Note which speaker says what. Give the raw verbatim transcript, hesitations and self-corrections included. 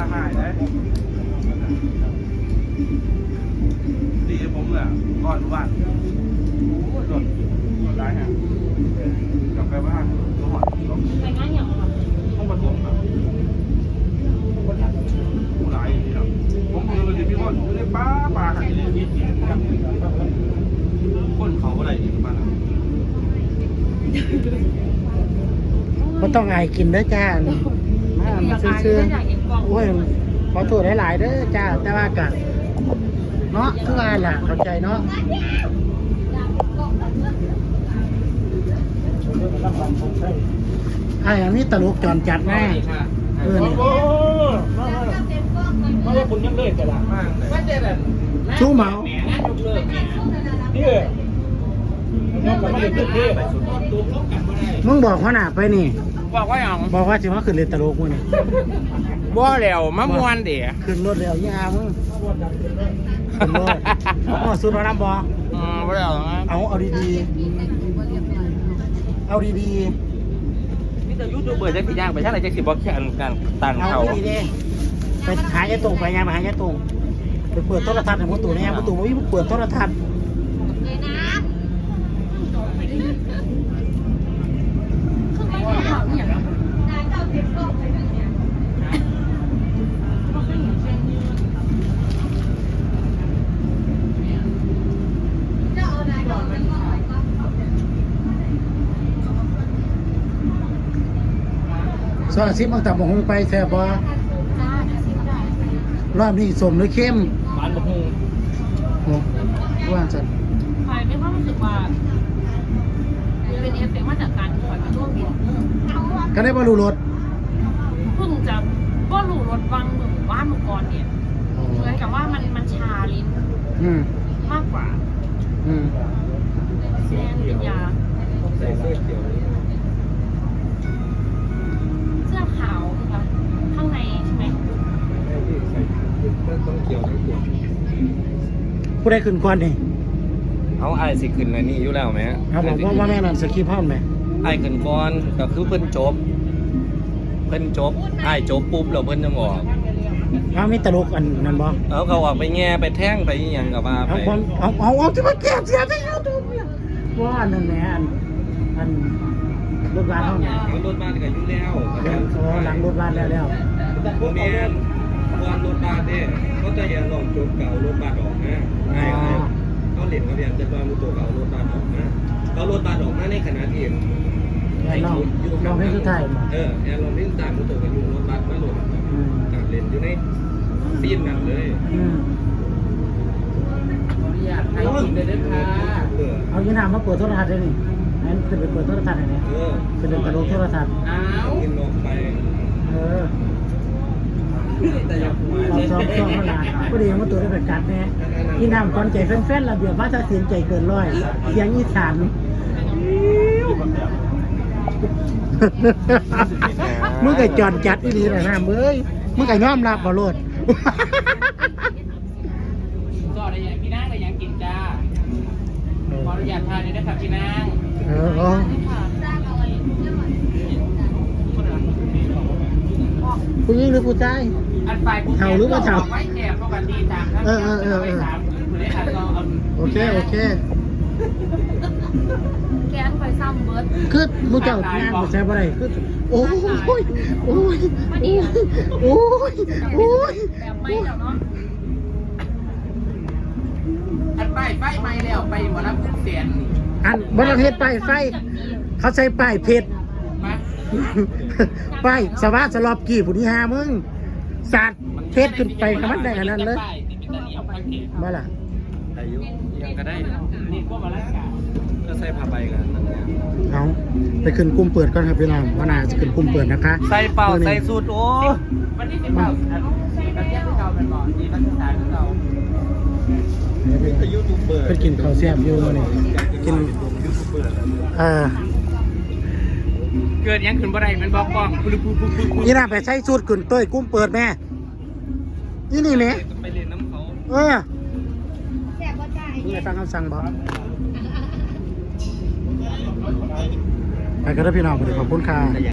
Speaker 1: หายเลยดีผมเลยก่อนวันโอ้ยหล่นหล่นร้ายฮะกลับไปบ้านตัวหอด
Speaker 2: ไปงานอย่างไร
Speaker 1: ห้องประตูครับผู้ร้ายนี่ครับผมคือเลยพี่ว่าอยู่ในป่าป่าขันนี้คนเขาอะไรอีกบ้าง
Speaker 3: ก็ต้องอายกินเด้อจ้ามามาซื้อๆโอ้ยขอโทษหลายๆเด้อจ้าแต่ว่าก็เนาะคือว่าล่ะเข้าใจเนาะไอ้อันนี้ตลกจอนจัดแน่เออเนี่ย
Speaker 1: ไม่ใช่คุณยังเลิกกันละไม่ใช่แบบ
Speaker 3: ชู้เหมามึงบอกเขาหนาไปนี่
Speaker 1: บอกว่าอย่าง
Speaker 3: บอกว่าสิว่าขึ้นเรือตลกมึงนี่
Speaker 1: บ่แล้วมะม่วนเดี๋ยว
Speaker 3: ขึ้นรถเร็วยี่อามึงขึ้นรถอ๋อสุดแล้วนะบอ
Speaker 1: อืมบ่แล้ว
Speaker 3: เอาเอาดีๆเอาดีๆ
Speaker 1: มีแต่ยูทูบเบอร์จะกี่ย่างไปช่างไรจะสิบอกแค่การตันเขา
Speaker 3: เอาดีๆไปหายายตรงไปยางไปหายายตรงไปเปิดโทรทัศน์ในประตูเนี่ยประตูไม่เปิดโทรทัศน์สอนซิบมังตับมงไปแซ่บบ่รอบนี้สมหรือเข้ม
Speaker 1: หวานบะฮุง
Speaker 3: โอ้ว่าจัด
Speaker 2: ใครไม่ว่ารู้สึกว่าเป็นเอฟเฟกต์มาจากการถอยมาร่วมบิน
Speaker 3: ก็ได้บรรลุรถ
Speaker 2: เพิ่งจะก็หลู่รถวังหมู่บ้านหมู่กรเนี่ยเหมือนกับว่ามันมันชาลิ้นมากกว่าแซงเป็นยา
Speaker 1: ใส่เสื้อเขียว
Speaker 2: เสื้อขาวนะคะข้างในใช่ไหม
Speaker 1: ต้องเขียวทั้งตัว
Speaker 3: ผู้ได้ขึ้นก่อนนี่
Speaker 1: เอาไอ้สิขึ้นในนี่อยู่แล้วไหม
Speaker 3: เขาบอกว่าว่าแม่นั่นสกีพ่อไหม
Speaker 1: ไอ้ขึ้นก่อนก็คือเพิ่นจบเพิ่นจบไอ้จบปุ๊บแล้วเพิ่นจะออก
Speaker 3: อ้าวมีตลกอันนั้นบ่
Speaker 1: เอาเขาออกไปแง่ไปแท่งไปอย่างกับว่า
Speaker 3: ไปเอาเอาเอาเอาที่มันแก่เสียที่ยูทูบว่าอันนั้นแหละอันอันรถบ้านเท่าไหร่
Speaker 1: รถบ้านก็อยู่แล้ว
Speaker 3: โอ้หลังรถบ้านแล้วแล้ว
Speaker 1: โมเมนต์วันรถบ้านเนี่ยเขาจะอย่าลองจบเก่ารถบ้านออกนะไอ้เขาเหรียญเขาเรียนจะว่ามุตัวเก่ารถบ้านออกนะเขารถบ้านออกนะในขณะที่
Speaker 3: ไอ้ลองลองให้สุดท้าย
Speaker 1: เออแอนลองเล่นตามมุตัวกันอยู่รถบ้านมาหลุดการเล่นอยู่ในซีนนั้นเลย
Speaker 2: อยากให้กินเลยนะคะ
Speaker 3: เอายี่น้ำมาเปิดโทรทัศน์ได้นี่นั่นคือไปเปิดโทรทัศน์ไหนเนี่ยคือเดินตะลุโทรทัศน์
Speaker 1: อ้าวกินลงไป
Speaker 3: เออเราซ้อมซ้อมขนาดก็ดีมาตัวได้แบบกัดเนี่ยยี่น้ำก่อนใจแฟนๆระเบียบว่าจะเสียงใจเกินร้อยเสียงอีสานมึงไก่จอนจัดอีหลีเลยนะเบ้ยมึงไก่น้อมรับบ่โลด
Speaker 2: ก็อะไรอย่างพี่นางอะไรอย่างกินจ้าขออนุญาตทานเลยนะครับพี่นาง
Speaker 3: เออผู้หญิงหรือผู้ชายเท่าหรือว่าเท่าเออเออเออเออโอเคโอเค
Speaker 2: แกนไฟซ้ำเบิร์ด
Speaker 3: คือมูเจ้างานมาใช้อะไรคือโอ้ยโอ้ยโอ้ยโอ้ย
Speaker 2: แบบไม่แล้วเนาะ
Speaker 1: อันป้ายไฟไม่แล้วไปหมดแล้วคุณเสียน
Speaker 3: อันบริเวณป้ายไฟเขาใช้ป้ายเพชรป้ายสวัสดิ์สลอบกี่ผู้ที่หามึงสัตว์เพชรขึ้นไปขนาดได้ขนาดเลยมาล่ะ
Speaker 1: อายุยังก็ได้นี่ก็มาแล้วก็ใส่ผ้าใบกัน
Speaker 3: เอาไปขึ้นกุ้มเปิดก่อนครับพี่น้องว่านาจะขึ้นกุ้มเปิดนะคะ
Speaker 1: ใส่เป่าใส่สูตรโอ้วันนี้เป็นเป่าประเทศที่เราเป็นบ่อดีพัฒนาที่เรา
Speaker 3: เป็นกินข้าวแซ่บอยู่นี่กินเออ
Speaker 1: เกิดยังขึ้นบ่ได้มันบอกกล้องปุ๊บปุ๊บปุ๊บปุ๊บ
Speaker 3: นี่น่าไปใช้สูตรขึ้นเต้ยกุ้มเปิดแม่นี่นี่แม่
Speaker 1: ไปเรียนน้ำเขา
Speaker 3: เออแซ่บบ่ใจมึงได้ฟังคำสั่งบ่ไปกันเด้อพี่น้องขอบคุณค่ะ